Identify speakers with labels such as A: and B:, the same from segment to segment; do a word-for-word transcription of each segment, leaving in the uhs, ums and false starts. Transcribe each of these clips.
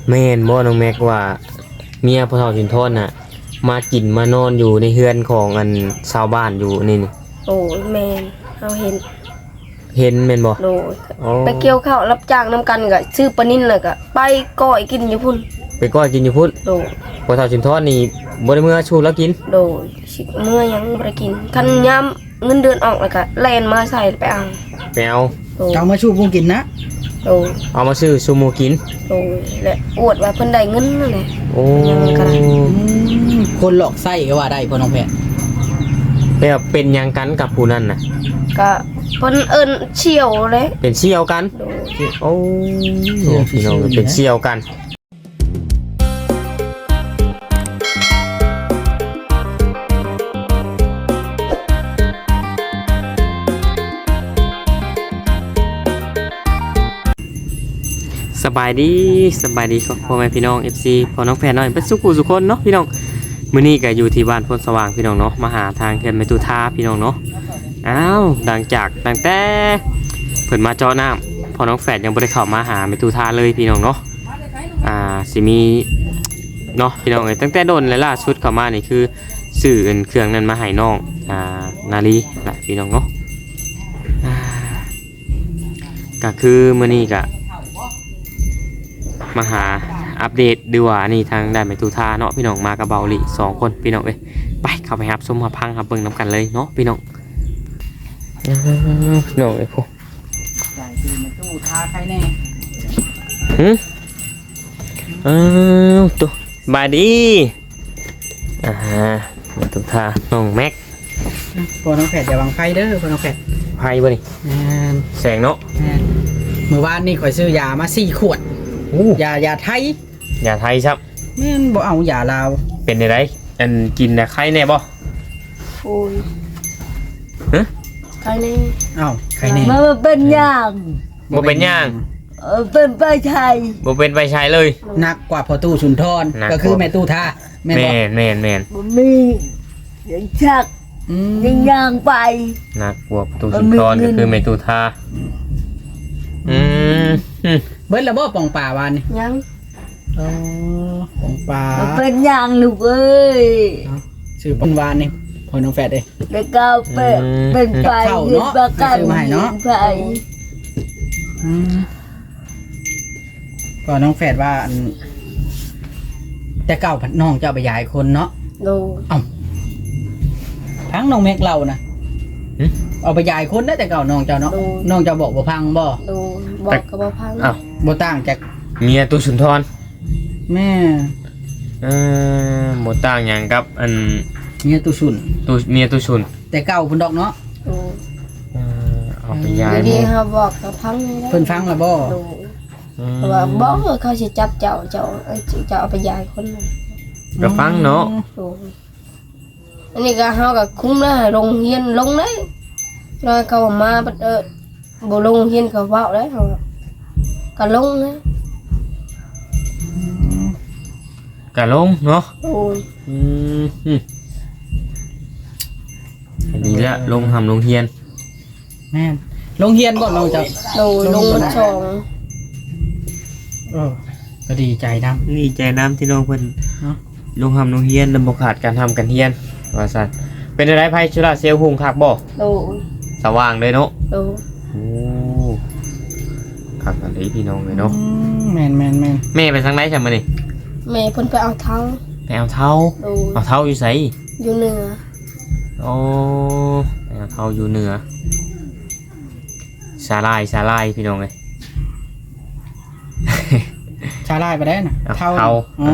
A: แม่นบ่น้องแม็กว่าเมียพ่อเฒ่าสินทรน่ะมากินมานอนอยู่ในเฮือนของอันชาวบ้านอยู่นี่นี่
B: โอ้ยแม่นเฮาเห็น
A: เห็นแม่นบ่
B: โดย
A: อ๋อ
B: ไปเกี่ยวข้าวรับจ้างนํกันก็ซื้อปลานิ่นแล้วก็ไปก้อยกินอยู่พุ่น
A: ไปก้อยกินอยู่พุ่น
B: โดย
A: พ่อเฒ่าสินทรนี่บ่ได้มื้อชูแล้วกิน
B: โดยสิเมื่อยังบ่ได้กินคันยามเงินเดือนออกแล้วก็แล่นมาใส่ไปเอา
A: ไปเอา
B: โดย
C: เอามาชูพุงกินนะ
B: โดย
A: เอามาซื้อซูโม่กิน
B: โดยและอวดว่าเพิ่นได้เงินนั่นแหละ
A: โอ้
B: ยังกะ
C: อืมคนหลอกไส้ก็ว่าได้พ่อน้องแพทย์
A: แล้วเป็นหยังกันกับผู้นั้นน่ะ
B: ก็เพิ่นเอิ้นเชี่ยวเลย
A: เป็นเชี่ยวกัน
B: โดย
A: โอ้พี่น้องเป็นเชี่ยวกันสบายดีสบายดีครับพ่อแม่พี่น้อง เอฟ ซี พ่อน้องแฟนน้อยเป็นสุขุสุคนเนาะพี่น้องมื้อนี้ก็อยู่ที่บ้านพลสว่างพี่น้องเนาะมาหาทางเขื่อนแม่ตุทาพี่น้องเนาะอ้าวดังจากตั้งแต่เพิ่นมาเจาะน้ำพ่อน้องแฟนยังบ่ได้เข้ามาหาแม่ตุทาเลยพี่น้องเนาะอ่าสิมีเนาะพี่น้องเอ้ยตั้งแต่โดนและล่าสุดเข้ามานี่คือซื้อเอิ้นเครื่องนั้นมาให้น้องอ่านาลีแหละพี่น้องเนาะอ่าก็คือมื้อนี้ก็มาหาอัปเดตดูว่านี่ทางด้านแม่ตุทาเนาะพี่น้องมากับเบาหลีสองคนพี่น้องเอ้ยไปเข้าไปครับชมมาพังครับเบิ่งนํกันเลยเนาะพี่น้องพี่น้องเอ้ยพวก
C: จ่ายคือมันตู้ทาใครแน่
A: หึอ้าวตัวบายดีอ่าแม่ตุทาน้องแม็ก
C: พ่อน้องแพทย์อย่าวางไฟเด้อพ่อน้องแพทย์
A: ไพ่บ่นี่
C: แม่น
A: แสงเนาะ
C: แม่นเมื่อวานนี่ข่อยซื้อยามาสี่ขวด
A: อู้
C: ยายาไทย
A: อย่าไทยครับ
C: แม่นบ่เอายาลาว
A: เป็นไดไรอันกินน่ะไข่แน่บ่
B: โอ้ย
A: ฮะ
B: ใครนี่
C: เอ้าใครแน่
D: มันเป็นอย่าง
A: บ่เป็นหย่าง
D: เออเป็นไปไทย
A: บ่เป็นไปใช้เลย
C: หนักกว่าพอตู้สุนทร
A: หนัก
C: ก็คือแม่ตู้ทาแม่น
A: แม่
C: บ่
A: นแม่นแม่น
D: มันมีอย่างชัก
C: อืม
D: อย่างย่างไป
A: นักบวกตูสุนทรก็คือเมตุทาอืมอืม
C: เบิ้ลระบ่ป่องป่าวานนี่
B: ยัง
C: อ๋อป่องป่า
D: มันเป็นอย่างลูกเอ้ย
C: ชื่อป่องวานนี่พ่อน้องแฟดเด้
D: แล้วก็เป็นเป็นไป
C: กับข้าว
D: ยืน
C: เนาะ
D: ประกัน
C: ซื้อมาให้เนาะ
D: ไป
C: อืมก็น้องแฟดว่าอันแต่เก่าพัดน้องเจ้าไปยายคนเนาะ
B: โดย
C: ทั้งน้องแม็กเรานะเอาไปยายคนได้แต่เก่าน้องเจ้าเนาะน้องเจ้าบอกบ่พังบ่
B: โดยบอกก็บ่พัง
A: อ้าว
C: บ่ต่างจาก
A: เมียตูสุนทร
C: แม่
A: เออหมดต่างอย่างกับอัน
C: เมียตุสุน
A: ตูเมียตูชุน
C: แต่เก่าเพิ่นดอกเนาะ
B: โดย
A: เออเอาไปย้าย
B: ดี
A: หม
B: ๆเฮาบอกก็พังได้
C: เพิ่นฟังแล้วบ่
B: โดยเพราะว่าบอกว่าเขาสิจับเจ้าเจ้าเอ้ยเจ้าเอาไปยายคนนึง
A: ก็ฟังเนาะ
B: โดยอันนี้ก็เฮาก็คุ้มนะโรงเรียนลงได้แล้วเขามาบัดเออบ่ลงเรียนก็เว้าได้เฮาก็ลงนะ
A: กะลงเนาะ
B: โอ้ย
A: อืมอืมดีแล้วลงทำลงเฮียน
C: แม่นโรงเรียนบ่น้องเจ้า
B: โดยลงมันสอง
C: เออก็ดีใจนำ
A: ดีใจน้ำที่น้องเพิ่น
C: เนาะ
A: ลงทำลงเฮียนลำบากขาดการทำกันเฮียนว่าซั่นเป็นอะไรไพ่ชุราเซลหุงคักบ่
B: โดย
A: สว่างเลยเนาะ
B: โดย
A: โอ้ขับกันเลยพี่น้องเลยเนาะ
C: อืมแม่นแม่นแม่น
A: แม่ไปทางไหนใช่ไหมนี่
B: แม่เพิ่นไปเอาเท้า
A: ไปเอาเท้า
B: โดย
A: เอาเท้าอยู่ไส
B: อยู่เหนือ
A: โอ้ไปเอาเท้าอยู่เหนือสาลายสาลายพี่น้องเลย
C: ชาลายไปได้น่ะ
A: เอา
C: เท่า
A: เท่า
C: อ๋อ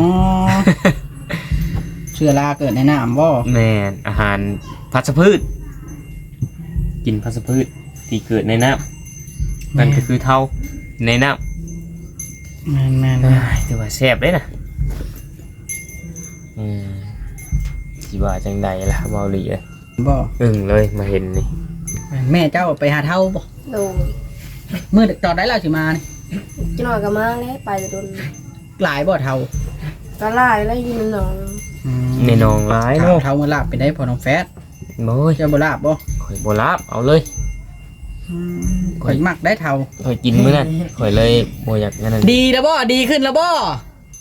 C: เชื้อราเกิดในน้ำบ่
A: แม่นอาหารพัชพืช กินพัชพืชที่เกิดในน้ำนั่นก็คือเท้าในน้ำ
C: แม่นแม่น
A: เอ้ยถือว่าแซ่บเลยนะอืมสิว่าจังใดล่ะเบาหลีเลย
C: บ่
A: อึ้งเลยมาเห็นนี่
C: แม่เจ้าไปหาเท่าบ่
B: โดย
C: เมื่อตอนได้เราสิมานี่
B: จังหน่อยก็มาแล้วไปจะโดน
C: หลายบ่เท่า
B: ก็ไล่แล้วอยู่ในหนอง
A: ในหนองร้าย
C: เท่า
A: เนาะ
C: เท่ามาลาบไปได้พอน้องแฟด
A: โอ้ย
C: เจ้าบ่ลาบบ่
A: ข่อยโบราบเอาเลย
C: ข่อยมักได้เท่า
A: ข่อยกินมื้อนั้นข่อยเลยโบอยากงั้นนั่น
C: ดีแล้วบ่ดีขึ้นแล้วบ่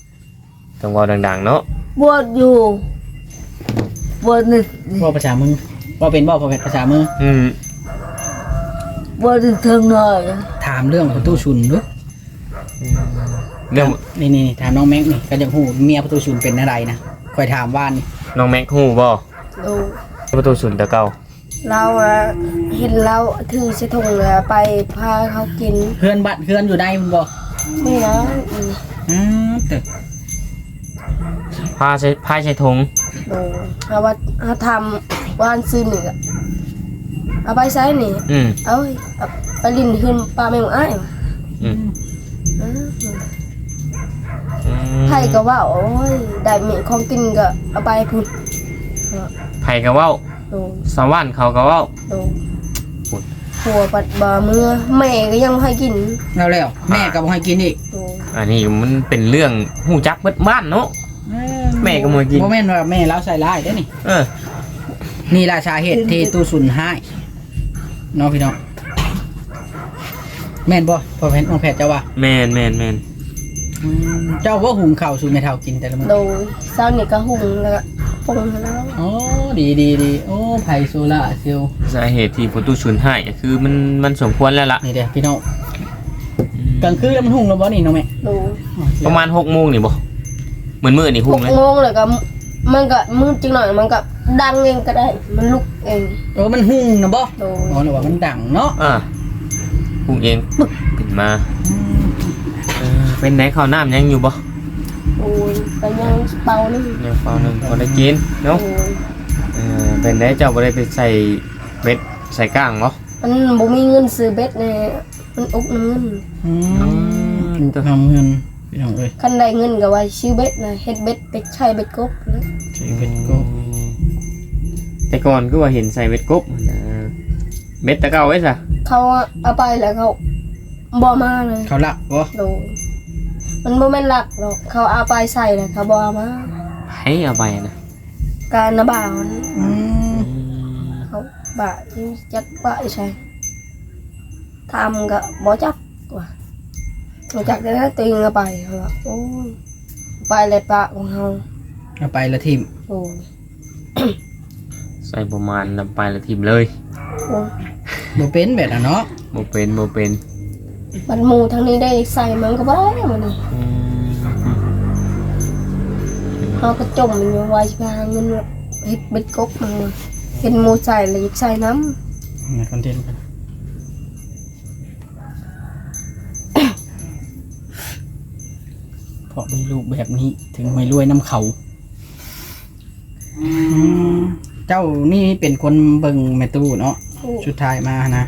A: ต้องเว้าดังๆเนาะ
D: บวชอยู่บวชหนึ่ง
C: ว่าภาษามือว่าเป็นบ่ภาษามือ
A: อืม
D: บวชหนึ่งเทิงหน่อย
C: ถามเรื่องประตูชุนดู
A: เรื่อง
C: นี่นี่ถามน้องแม็กนี่ก็จะฮู้เมียประตูชุนเป็นอะไรนะคอยถามว่านนี่
A: น้องแม็กฮู้บ่
B: ดู
A: ประตูศูนย์ตะเก่า
B: เราอะเห็นเราถือใส่ถุงเลยไปพาเขากิน
C: เพื่อนบัดเพื่อนอยู่ได้มันบ่
B: ไม่นะอืม
C: อืมแต่
A: พาใช้พาใช้ธง
B: ดูเอาว่าเอาทำวานซื้อหนึ่งอะเอาไปใช้นี่
A: อืม
B: เอาเอาไปลินขึ้นปลาแมงอ้ายว่ะ
A: อืม
B: อืม
A: อืม
B: ไผ่ก็ว่าโอ้ยได้มีของกินก็เอาไปพุ่น
A: ไผก็เว้า
B: ดู
A: สวรรค์เขาก็เว้า
B: ดู
A: พุ่น
B: หัวปัดบ่ามือแม่ก็ยังให้กิน
C: แล้วแล้วแม่ก็บ่ให้กินอีก
B: ดู
A: อันนี้มันเป็นเรื่องฮู้จักเบิดบ้านเนาะ แม่ก็บ่ให้กิน
C: บ่แม่นว่าแม่เราใส่ร้ายเด้อนี่
A: เออ
C: นี่ราชาเหตุที่ตู้สุนให้เน้องพี่น้องแม่นบ่พอแพทย์น้องแพทย์เจ้าว่า
A: แม่นแม่นแม่น
C: อืมเจ้าว่าหุงข้าวสู่แม่เฒ่ากินแต่ละมื้อ
B: ดูเช้านี่ก็หุงแล้วก็ปรุงให้แล้ว
C: อ๋อดีดีดีโอ้ไผโซล่าเซลล์
A: สาเหตุที่ประตูศูนย์ให้ก็คือมันมันสมควรแล้วล่ะ
C: นี่เด้อพี่น้องกลางคืนแล้วมันหุงแล้วบ่นี่น้องแม่
B: ดู
A: ประมาณหกโมงนี่บ่เหมือนมื้อนี่
B: ห
A: หุ่ง
B: ก
A: เลย
B: โมงเลยก็มันก็มืดจังหน่อยมันก็ดังเองก็ได้ มันลุกเอง
C: เออมันหุงนะบ่
B: ดู
C: อ๋อหรือว่ามันดังเนาะ
A: อ่าหุ่งเองปึ๊กขึ้นมาเออเป็นไหนข้าวน้ำยังอยู่บ่
B: โอ้ยไปยังเป่านี่
A: ยังเปล่าหนึงพอได้กินเนาะ
B: โอ้ย
A: เออเป็นได้เจ้าบ่ได้ไปใส่เบ็ดใส่ก้างบ่
B: มันบ่มีเงินซื้อเบ็ดเนี่ยมันอุกน้ำเงิน
C: อืมดูทำเงินพี่น้องเอ้ย
B: คันได้เงินก็ไว้ซื้อเบ็ดนะเฮ็ดเบ็ดเป็ดไข่เบ็ดกบแล้ว
C: ใช้เบ็ดกบ
A: แต่ก่อนก็ว่าเห็นใส่เบ็ดกบนะเบ็ดตะเก่าไว้ซะ
B: เขาเอาไปแล้วเขาบ่มาเลย
C: เขาละบ่
B: โดยมันบ่แม่นหลักหรอกเขาเอาไปใส่แล้วเขาบ่เอามา
A: ให้เอาไปนะ
B: การนะบ่าวมัน
C: อืม
B: เขาบ่าที่จักบ่าใช่ทำก็บ่จักว่าบ่จักได้นะตัวเองเอาไปเขาว่าโอ้ยไปเลยปะของเฮา
C: เอาไปละทีม
B: โอ้ย
A: ใส่ประมาณนำไปละทีมเลย
B: โอ้ย
C: บ่เป็นแบบน่ะเนาะ
A: บ่เป็นบ่เป็น
B: มันหมู่ทางนี้ได้ใส่มันก็บ่ได้มันนี่
A: อืม
B: เฮาก็จมมันอยู่ไว้สิไปหาเงินเฮ็ดเบ็ดกบมาเห็นหมู่ใส่แล้วอยากใส่น้ำ
C: ในคอนเทนต์กันเพราะมีลูกแบบนี้ถึงไม่รวยน้ำเขาอืมเจ้านี่เป็นคนเบิ่งแม่ตู้เนาะ
B: โอ้ย
C: สุดท้ายมานะ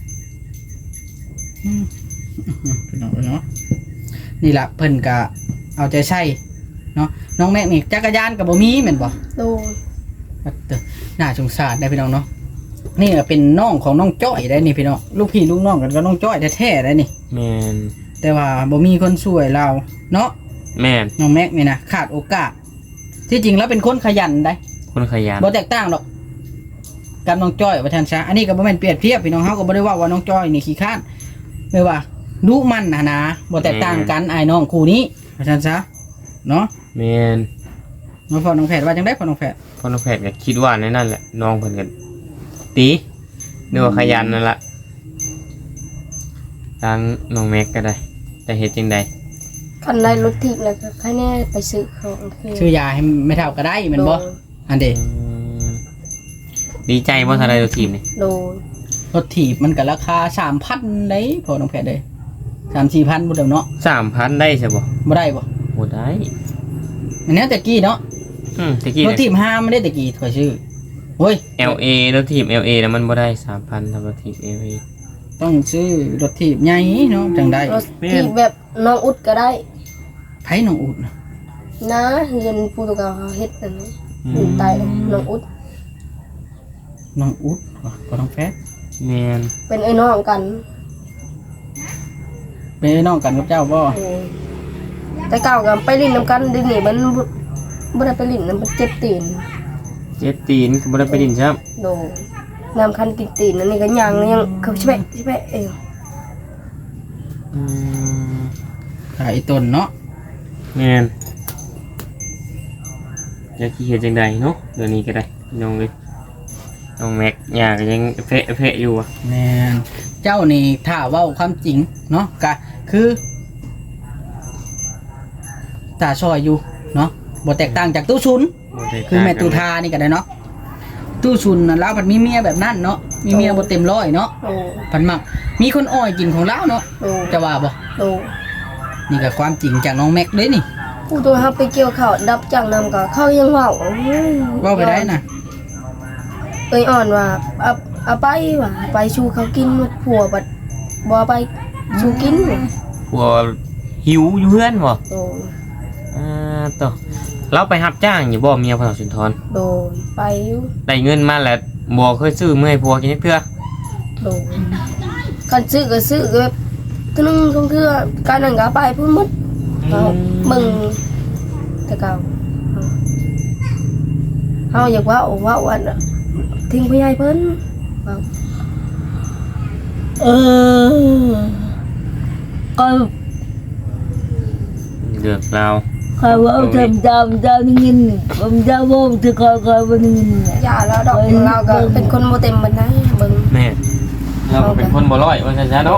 C: อืมพี่น้องเนาะนี่ล่ะเพิ่นก็เอาใจใส่เนาะน้องแม็กนี่จักรยานกับบ่มีแม่นบ่
B: โดย
C: เด้อน่าสงสารได้พี่น้องเนาะนี่ก็เป็นน้องของน้องจ้อยได้นี่พี่น้องลูกพี่ลูกน้องกันก็น้องจ้อยแท้ๆได้นี่
A: แม่น
C: แต่ว่าบ่มีคนช่วยเราเนาะ
A: แม่น
C: น้องแม็กนี่นะขาดโอกาส ที่จริงแล้วเป็นคนขยันได้
A: คนขยัน
C: บ่แตกต่างหรอกกับน้องจ้อยว่าท่านซะอันนี้ก็บ่แม่นเปรียบเทียบพี่น้องเฮาก็บ่ได้ว่าว่าน้องจ้อยนี่ขี้ข้านไม่ว่าดุมันนะนะบ่แตกต่างกันอ้ายน้องคู่นี้ว่าท่านซะเนาะ
A: แม่น
C: น้องพ่อน้องแพทย์ว่าจังได๋พ่อน้องแพทย์
A: พ่อน้องแพทย์ก็คิดว่าในนั่นแหละน้องเพิ่นก็ตีนึกว่าขยันนั่นล่ะทางน้องแม็กก็ได้แต่เฮ็ดจังได๋
B: คันได้รถทิพย์แล้วก็ใครแน่ไปซื้อของคือ
C: ซื้อยาให้ไม่เท่าก็ได้แม่นบ่
B: โดย
C: อันเด้
A: ดีใจบ่ทันได้ตัวทีมนี่
B: โดย
C: รถถีบมันก็ราคา สามพัน ได้พ่อน้องแพทย์เด้สามสี่พันบ่เด้อเนาะ
A: สามพันได้ใช่บ่
C: บ่ได้บ่
A: บ่ได้
C: อันนี้แต่กี้เนาะ
A: อืมตะกี้
C: รถ
A: เนี่ย
C: ถีบห้าไม่ได้แต่กี้ข่อยชื่อโอ้ย
A: แอล เอ รถทีม แอล เอ แล้วมันบ่ได้สามพันทำรถทีม แอล เอ
C: ต้องซื้อรถถีบใหญ่เนาะจังได้
B: รถทิพย์แบบน้องอุดก็ได้
C: ไผน้องอุดน่ะ
B: นะเรียนโปรตุเกสเขาเฮ็ดอันนี้อยู่ใต้น้องอุด
C: น้องอุดว่ะพ่อน้องแพทย์
A: แม่น
B: เป็นไอ้น้องกัน
C: เป็นน้องกันกับเจ้าบ่
B: โอ้ยแต่เก่ากันไปลิ้นน้ำกันเดินี่มันบ่บ่ได้ไปลิ้นน้ำมันเจ็บตีน
A: เจ็ดตีนก็บ่ได้ไปดินซ้ำ
B: โดยน้ำคันติดตีนอันนี้ก็ยังยังเขาชิบะชิบะเอง
A: อืม
C: ขายต้นเนาะ
A: แม่นจะขี้เฮ็ดจังใดเนาะเดี๋ยวนี้ก็ได้พี่น้องเลยน้องแม็กยาก็ยังเฟะเฟะอยู่อ่ะ
C: แม่นเจ้านี่ถ้าเว้าความจริงเนาะก็คือตาช่อยอยู่เนาะบ่แตกต่างจากตู้ชุน
A: บ่ได้
C: คือแม่ตุทานี่ก็ได้เนาะตู้ชุนน่ะลาวผัดมีเมียแบบนั้นเนาะมีเมียบ่เต็มร้อยเนาะ
B: โอ้
C: ผัดมักมีคนอ้อยกินของลาวเนาะ
B: โอ้
C: จะว่าบ่
B: โอ้
C: นี่ก็ความจริงจากน้องแม็กเด้นี่
B: ผู้ตัวเฮาไปเกี่ยวข้าวดับจังนำก็เขายังเว้าโอ้ย
C: เว้าไปได้น่ะ
B: เอ้ยอ่อนว่าเอาเอาไปว่าไปชูเขากินผัวบัดบ่ไปชูกิน
A: ผัวหิวอยู่เฮือนบ่
B: โดย
A: อ่าต่อเราไปรับจ้างอยู่บ่เมียพระสุนทร
B: โดยไปอยู่
A: ได้เงินมาแล้วบ่เคยซื้อมื้อให้ผัวกินจักเทื่อ
B: โดยคันซื้อก็ซื้อก็แบบตัวนึงก็คือการนั้นก็เอาไปพุ่นหมดเอามึงแต่เก่าเฮาอยากว่าว่าวันน่ะทิ้งผู้ใหญ่เพิ่นว่า
D: เออก็
A: เลือกเรา
D: ใครว่าทำตามเจ้านี่เงินผมเจ้าบ่ที่คอยคอยบ่นี่เงิน
B: อย่าแล้วดอกเราก็เป็นคนบ่เต็มบันไดเบิ่ง
A: แม่เราก็เป็นคนบ่ร้อยว่าซั่นซะเนาะ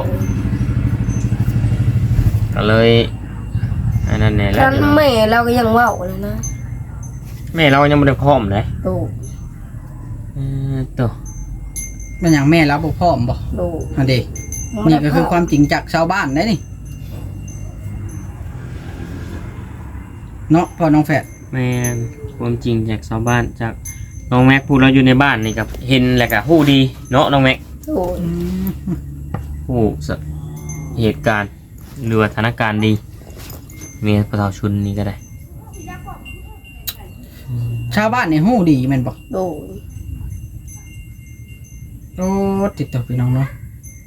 A: ก็เลยอันนั้นแหละแหละ
B: คันแม่เราก็ยังเว้าเลยนะ
A: แม่เรายังบ่ได้พร้อมเลย
B: โด
A: เออต่อ
C: มันหยังแม่รับบ่พร้อมบ่
B: โด
C: อันเด้นี่ก็คือความจริงจากชาวบ้านได้นี่เนาะพ่อน้องแฝด
A: แม่นความจริงจากชาวบ้านจากน้องแม็กพูดเราอยู่ในบ้านนี่กับเห็นแล้วก็ฮู้ดีเนาะน้องแม็ก
B: โด
A: ฮู้สเหตุการณ์หรือว่าสถานการณ์ดีเมียประชาชนนี่ก็ได้
C: ชาวบ้านนี่ฮู้ดีแม่นบ่
B: โด
C: โอ้ติดต่อพี่น้องเนาะ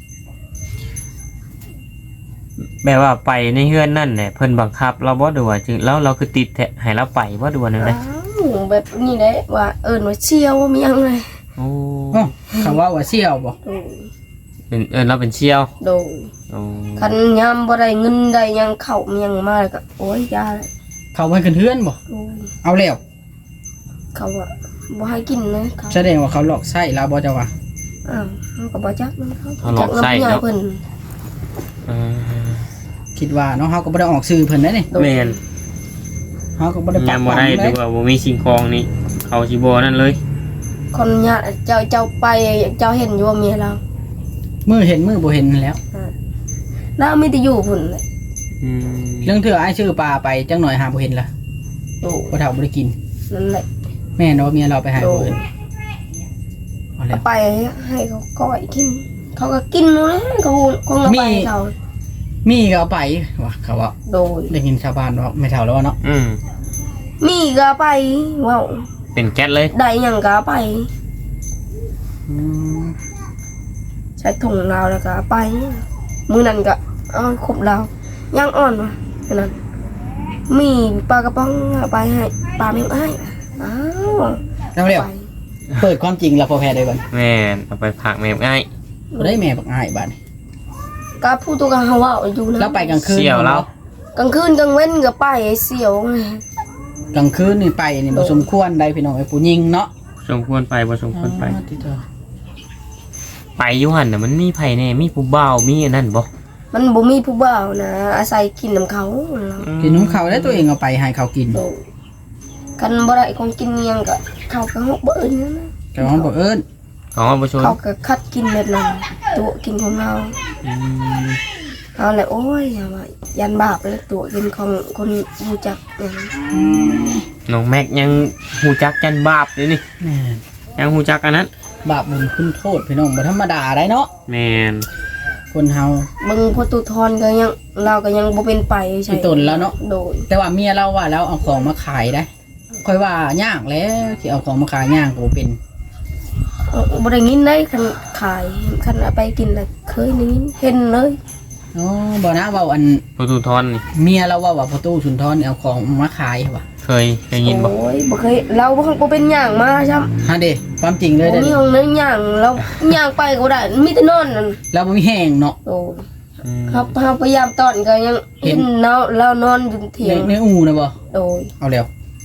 A: แบบว่าไปในเฮือนนั่นแหละเพิ่นบังคับเราบ่ดูว่าจึงแล้วเราคือติดแท้ให้เราไปบ่ดูว่าแนวใด
B: อ้าวแบบนี้ได้ว่าเอิ้นว่าเชี่ยวว่ามีหยังเลย
A: โอ้
C: โอ้คำว่าว่าเสี่ยวบ่
B: โด
A: เป็นเอิ้นเราเป็นเชี่ยว
B: โด
A: โอ้
B: คันยามบ่ได้เงินได้หยังเข้ามีหยังมาแล้วก็โอ้ยยาเลย
C: เขาไว้ขึ้นเฮือนบ่
B: โอ้ย
C: เอาแล้ว
B: เขาว่าบ่ให้กินนะเขา
C: แสดงว่าเขาหลอกไส้เราบ่เจ้าว่า
B: อ้าวเขาก็บ่จักนำเขา
A: เขาหลอกไส้
B: จั
A: เนาะ
B: เพิ่น
A: เออ
C: คิดว่าเนาะเฮาก็บ่ได้ออกสื่อเพิ่นได้นี่
A: แม่น
C: เฮาก็บ่ได้ป
A: ยั
C: ก
A: ง
C: ป้
A: บ่
C: อง
A: ได้
C: เล
A: ดู
C: ย
A: ว่าบ่มีสิ่งของนี่เขาสิบ่นั่นเลย
B: คนญาติเจ้าเจ้าไปเจ้าเห็นอยู่ว่าเมียเรา
C: มือเห็นมือบ่เห็นแล้ว
B: เรามีแต่อยู่พุ่นเลย
A: อืม
C: เรื่องเถื่อไอ้ายชื่อปลาไปจังหน่อยหาบ่เห็นล่ะ
B: โอ้
C: บ่เฒ่าบ่ได้กิน
B: นั่นแหละ
C: แม่เนาะเมียเราไปหาบ่เห็นเอาแล้ว
B: ไปให้เขาก้อยกิน เขาก็กินนู่นนะเขาคงเอาไปให้เขา
C: มีก็เอาไปว่าเขาว่า
B: โดย
C: ได้ยินชาวบ้านว่าไม่เฒ่าแล้วว่าเนาะ
A: อืม
B: มีก็เอาไปว้าว
A: เป็นแก๊สเลย
B: ได้หยังก็เอาไป
C: อืม
B: ใช้ถุงเราแล้วก็เอาไป มือนั้นก็เอาครบเรายังอ่อนวะแค่นั้น มีปลากระป๋องเอาไปให้ปลาเมงไอ้ายอ้าว
C: เอาแล้ว
B: ไป
C: เปิดความจริงแล้วพอแพ้ได้ก่อน
A: แม่นเอาไปผักแม่ง่าย
C: บ่ได้แม่บักอ้ายบาดนี้
B: ก็พูดตัวกันเขาว่าอยู่นะ
C: แล้วไปกลางคืน
A: เสี่ยวแล้ว
B: กลางคืนกลางเว้นก็ไปไอ้เสียวไง
C: กลางคืนนี่ไปนี่บ่สมควรได้พี่น้องไอ้ผู้หญิงเนาะ
A: สมควรไปบ่สมควรไป
C: อ๋อที่เธอ
A: ไปอยู่หั่นน่ะมันมีไผแน่มีผู้บ่าวมีอันนั้นบ่
B: มันบ่มีผู้บ่าวนะอาศัยกินน้ำเขาเรา
C: กินน้ำเขาได้ตัวเองเอาไปให้เขากิน
B: โดยกันบ่ได้ของกินอิหยังก็เขาก็ฮอกบ่เอิ้นนะ
C: แต่ว่าบอกเอิ้น
A: ของว่าบ่ชน
B: เขาก็คัดกินแบบนั้นตัวกินของเรา
A: อืม
B: เอาแหละโอ้ยอย่าว่ายันบาปเลยตัวกินของคนรู้จักอย่างนั้น
A: น้องแม็กยังฮู้จักจันบาปเลยนี่
C: แม่น
A: ยังฮู้จักอันนั้น
C: บาปบุญคุณโทษพี่น้องบ่ธรรมดาได้เนาะ
A: แม่น
C: คนเฮา
B: เบิ่งพอตุทอนก็ยังเราก็ยังบ่เป็นไปใช่
C: อีตนแล้วเนาะ
B: โดย
C: แต่ว่าเมียเราว่าแล้วเอาของมาขายได้ค่อยว่ายากแล้วที่เอาของมาขายยากก็บ่เป็น
B: เออบ่ได้ยินได้คันขายคันเอาไปกินแล้วเคยได้ยินเห็นเลย
C: อ๋อบ่นะเว้าอัน
A: ประตูทอนนี่
C: เมียเราว่าว่าประตูสุนทรนี่เอาของมาขายว่ะ
A: เคยได้ยินบ่
B: โอ้ยบ่เคยเราบ่บ่เป็นหยังมาซ้ำ
C: ฮะเด้ความจริงเลย
B: บ่
C: เด้อ
B: มีห้องนั้นหยังเราหยังไปก็ได้มีแต่นอนนั่น
C: เราบ่มีแห้งเนาะ
B: โอ้ย
A: อืม
B: ครับเฮาพยายามตอนก็ยัง
C: เห็
B: เห็
C: น
B: นเราเรานอนอยู่เถีย
C: ใน
B: ง
C: ในอู่นะบ่
B: โดย
C: เอาแล้ว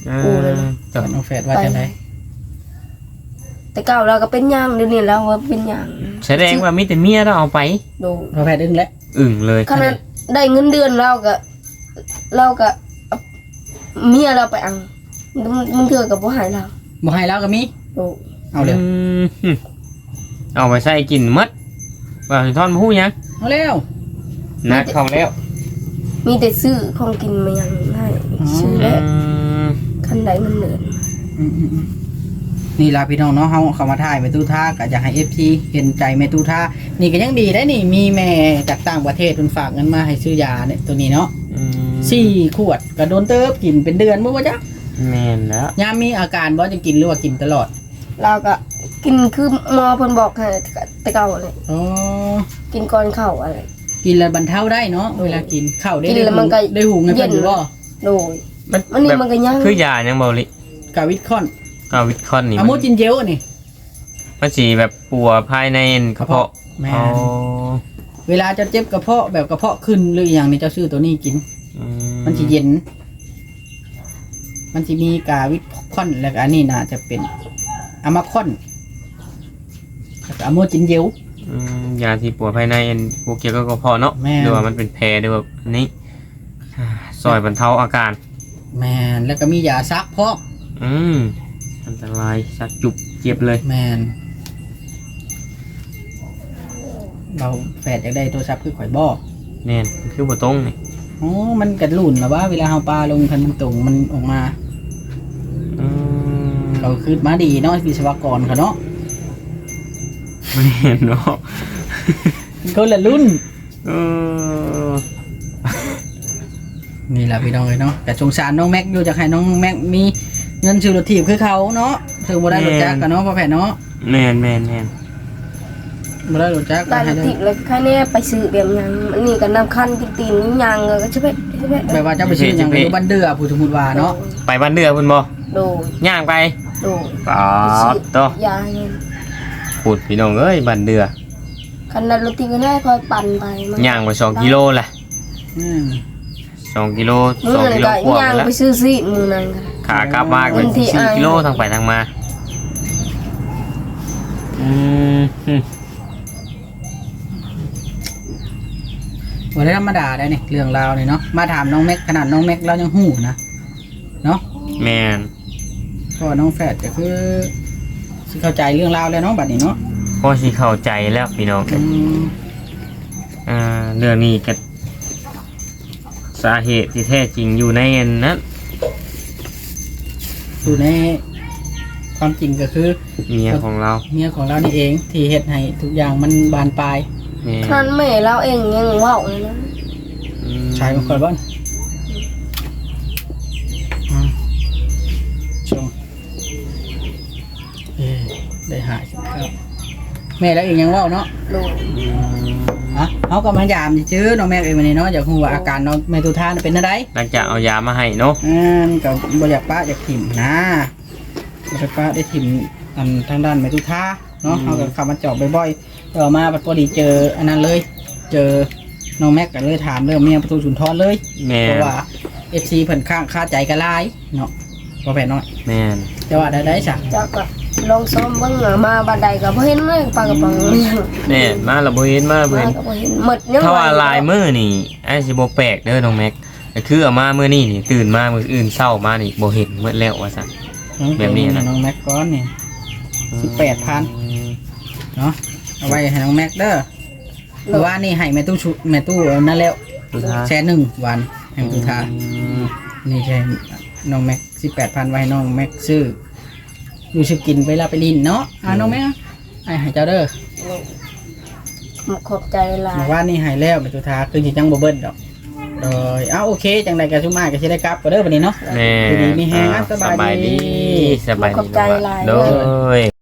B: อูเลยนะ
A: ต่อ
C: น้องแฝดว่าจังได๋
B: แต่เก่าเราก็เป็นหยังเดี๋ยวนี้เราว่าเป็นหยัง
A: แสดงว่ามีแต่เมียเราเอาไป
B: ดู
C: น้องแฝดอึ้งแล้ว
A: อึ่งเลย
B: ขนาดได้เงินเดือนเราก็เราก็เอาเมียเราไปเอังมันเถื่อกับผู้หายเรา
C: บ่ให้แล้วก็มี
B: ดู
C: เอาเลย
A: อืมเอาไปใส่กินหมดว่าสิทอนผู้หยัง
C: เอาแล้ว
A: นักเข้าแล้ว
B: มีแต่ซื้อของกินมาอย่างให้ซื้อ
A: อื
B: แล้ว
A: ม
B: คันใดมันเหนื่อย
C: อืมๆๆนี่ล่ะพี่น้องเนาะเฮาเข้ามาถ่ายแม่ตู้ท่าก็อยากให้ เอฟ ซี เห็นใจแม่ตู้ท่านี่ก็ยังดีได้นี่มีแม่จากต่างประเทศเพิ่นฝากเงินมาให้ซื้อยาเนี่ยตัวนี้เนาะ
A: อืม
C: สี่ขวดก็โดนเติบกินเป็นเดือนบ่ว่าจ๊ะ
A: แม่นแล้ว
C: ยามมีอาการบ่จะกินหรือว่ากินตลอด
B: เราก็กินคือหมอเพิ่นบอกให้แต่เก่าเลย
C: อ๋อ
B: กินก่อนเข้าอะไร
C: กินแล้วบรรเทาได้เนาะเวลากินข้าวได้
B: กิน
C: ได้
B: แล้ว
C: หู
B: มันก็
C: ได้หูเงินเพิ่นอยู่บ่
B: โดย
A: มัน
B: มันนี่
A: แบบ
B: มันก็ยัง
A: คือยายังเบาลิ
C: กาวิตคอน
A: กาวิตคอนนี่
C: อะโมจินเจลนี่
A: มันสีแบบปัวภายในกระเพาะ
C: แม่น
A: อ๋อ
C: เวลาจะเจ็บกระเพาะแบบกระเพาะขึ้นหรืออหย่างนี้เจ้าซื้อตัวนี้กิน
A: อื
C: มันสิเย็น มันสิมีกาวิตคอนแล้วก็อันนี้น่าจะเป็นอะมาคอนแล้วก็อะโมจินเจล
A: อืมยาที่ปัวภายในพวกเกี่ยวกับกระเพาะเนาะ
C: แม่น
A: หรือว่ามันเป็นแผลหรือว่าอันนี้อ่าซอยบรรเทาอาการ
C: แมนแล้วก็มียาซักพอก
A: อืมอันตรายสักจุบเจ็บเลย
C: แมนเราแฝดอยากได้โทรศัพท์คือข่อยบอก
A: แม่นคือบ่ตรงนี่
C: โอ้มันกระหลุ่นหรอว่าเวลาเฮาปลาลงคันมันตรงมันออกมา
A: อืม
C: เขาคือมาดีเนาะวิศวกรเขาเนาะ
A: ไม่เห็นเนาะ
C: คนละรุ่น
A: เออ
C: นี่แหละพี่น้องเลยเนาะแต่สงสารน้องแม็กอยู่จากให้น้องแม็กมีเงินซื้อรถถีบคือเขาเนาะซื้อบ่ได้รถจักรกันเนาะพ่อแผ่เนาะ
A: แม่นแม่นแม่น
C: บ่ได้รถจักร
B: ได้
C: ให้
B: ละ
C: ได้
B: ติเลยแค่นี้ไปซื้อแบบหยังอันนี้ก็นำคันกินตีนยังก็ใช่ไหมใช่ไหม
C: แบบว่าจะไปซื้ออย่างไปอยู่บ้านเดือผู้สมมุติว่าเนาะ
A: ไปบ้านเดือพุ่นบ่
B: โดย
A: ย่างไป
B: โดย
A: ปอดโต
B: ยาเงิน
A: พูดพี่น้องเอ้ยบ้านเดือ
B: คันนั้นรถตีก็ได้คอยปั่นไปมัน
A: ย่างไปสองกิโลแหละ
C: อืม
A: สองกิโล
B: มื
A: สอง
B: อนั่น
A: กิโล
B: ก็
A: กว่า
B: ย่าง
A: แล้ว
B: ไปซื้อซีดมือนั่นก็
A: ขากลับมาเป็น
B: วันที่
A: สี่
B: อ้าย
A: กิโลทางไปทางมาอืมอืม
C: บ่ได้ธรรมดาได้นี่เรื่องราวนี่เนาะมาถามน้องแม็กขนาดน้องแม็กเรายังหู้นะเนาะ
A: แม่น
C: เพราะว่าน้องแฝดก็คือสิเข้าใจเรื่องราวแล้วเนาะบัดนี้เนาะ
A: พอสิเข้าใจแล้วพี่น้อง
C: อืม
A: อ่าเรื่องนี้ก็สาเหตุที่แท้จริงอยู่ในอันนั้น
C: อยู่ในความจริงก็คือ
A: เมียของเรา
C: เมียของเรานี่เองที่เฮ็ดให้ทุกอย่างมันบานปลาย
A: แม่
B: ขนาดแม่เราเองยังเว้าเลยนะ
A: อืม
C: ชายของคนบ้านอืมชมเอ้ยได้หายสิครับแม่แล้วเองยังเว่าเนาะ
B: โดย
A: อืม
C: อ่ะเขาก็มายามชื่อน้องแม่เองวันนี้เนาะอยากรู้ว่าอาการน้องแม่ตุทานเป็นอะไร
A: หลังจากเอายามาให้เนาะ
C: อืมก็บ่อยากป้าอยากถิ่มนะบ่อยากป้าได้ถิ่มอันทางด้านแม่ตุทาเนาะเขาก็เข้ามาเจาะบ่อยๆต่อมาพอดีเจออันนั้นเลย เจอน้องแม็กก็เลยถามเรื่องเมียประตูสุนทรเลย
A: แม่
C: เพ
A: น
C: ราะว่าเอฟซีเพิ่นข้างค่าใจกันหลายเนาะบ่แพ้น้อย
A: แม่น
C: แต่ว่าได้ได้จ้ะ
B: จากก็ลองซ้อมเบิ่งอะมาบันไดก็บ่เห็นเลยปลากระป๋องยัง
A: แม่นมาและบ่เห็นมาและบ่
B: มา
A: เห็น
B: ก็บ่เห็นหมดยัง
A: ถ้าว่า
B: ไห
A: ลายมือนี่ไอ้สิบ่แปลกเด้อน้องแม็กก็คือเอามามื้อนี้นี่ตื่นมามื้ออื่นเช้ามานี่บ่เห็นหมดแล้วว่าซั่น แบบนี้นะ
C: น้องแม็กก้อนนี่ สิบแปดพัน เนาะเอาไว้ให้น้องแม็กเด้อเพราะว่านี่ให้แม่ตู้ชุแม่ตู้เอานั่นแล้ว
A: สุดท้าย
C: แชร์หนึ่งวันแห่งสุดท้าย
A: อืม
C: นี่ใช่น้องแม็กสิบแปดพันไว้ให้น้องแม็กซื้ออยู่ชื่อกินเวลาไปลินเนาะอ่าน้องแม็กไอ้ให้เจ้าเด้อ
B: ขอบใจหลาย
C: บอกว่านี่ให้แล้วเป็นสุดท้ายคือจิจังบ่เบิ้ลดอกโดยเอาโอเคจังใดก็ชุมาก็สิได้กลับก็เด้อบัดนี้เนาะ
A: แม่
C: ดีๆมีแฮงนะ
A: อ่า
C: สบายดี
A: สบายดี
B: ขอบใจหลาย
A: โดย